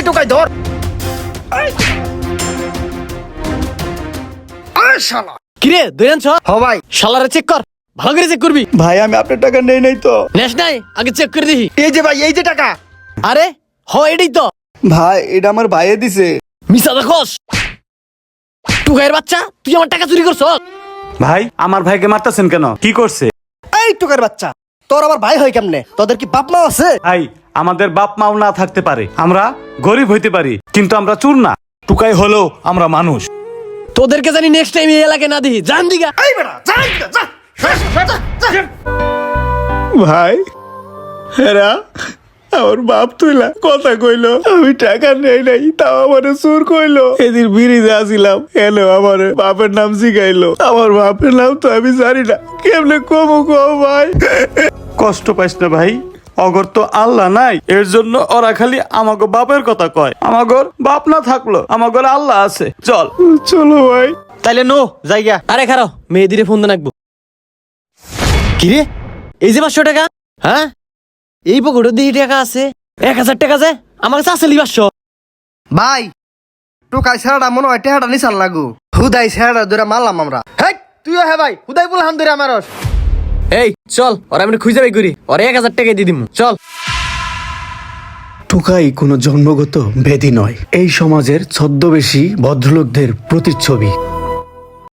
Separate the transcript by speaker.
Speaker 1: টুকাই ধর। আরে শালা
Speaker 2: কিরে দইরানছ?
Speaker 1: হ ভাই।
Speaker 2: শালারে চেক কর, ভালো করে চেক করবি।
Speaker 3: ভাই আমি আপনার টাকা নেই নাই তো।
Speaker 2: নেস নাই, আগে চেক করে দেখি।
Speaker 1: এই যে ভাই, এই যে টাকা।
Speaker 2: আরে হ, এটাই তো।
Speaker 3: ভাই এটা আমার ভাইয়ে দিছে।
Speaker 2: মিছা দেখোস? টুকাইয়ের বাচ্চা, তুই আমার টাকা চুরি করছ?
Speaker 4: ভাই আমার ভাইকে মারতেছেন কেন? কি করছে?
Speaker 1: এই টুকার বাচ্চা, তোর আবার ভাই হয় কেমনে? তোদের কি বাপ মা আছে?
Speaker 4: ভাই আমাদের বাপ মাও না থাকতে পারে, আমরা গরিব হইতে পারি, কিন্তু আমরা চোর না। টুকাই হলেও আমরা মানুষ।
Speaker 2: তোদেরকে জানি নেক্সট টাইম এই এলাকায় না দিই। জান দিগা।
Speaker 1: এই বেটা যা এদিকে, যা।
Speaker 3: ভাই হেরা আমার বাপ তুইলা কথা কইলো, আমি টাকা নেই নাই, তাও আমার চোর কইলো। এদিন বিড়িতে আসিলাম, এলো আমার বাপের নাম শিখাইলো। আমার বাপের নাম তো আমি জানি না, কেমনে কমু কো ভাই।
Speaker 4: কষ্ট পাইস না ভাই, অগর তো আল্লাহ নাই, এর জন্য ওরা খালি আমাগো বাপের কথা কয়। আমাগর বাপ না থাকলো আমাগর আল্লাহ আছে। চল
Speaker 3: চলো ভাই।
Speaker 2: তাইলে নো জায়গা। আরে খারাপ, মেয়েদিরে ফোন দিয়ে রাখবো। কিরে, এই যে 500 টাকা? হ্যাঁ, এই পকেটে দিয়ে টাকা আছে। 1000 টাকা যে আমার কাছে আছে 500।
Speaker 1: ভাই টুকাই ছাড়া মনে হয় টেহাটা নিসাল লাগু। হুদাই ছাড়া ধরে মারলাম আমরা। হেই তুইও হ্যাঁ ভাই, হুদাই বললাম ধরে আমারস।
Speaker 2: এই চল, ওরা আমি খুঁজে বাই করি, ওরা 1000 টাকা দিয়ে দিমু। চল।
Speaker 3: টুকাই কোনো জন্মগত ব্যাধি নয়, এই সমাজের ছদ্মবেশী ভদ্রলোকদের প্রতিচ্ছবি।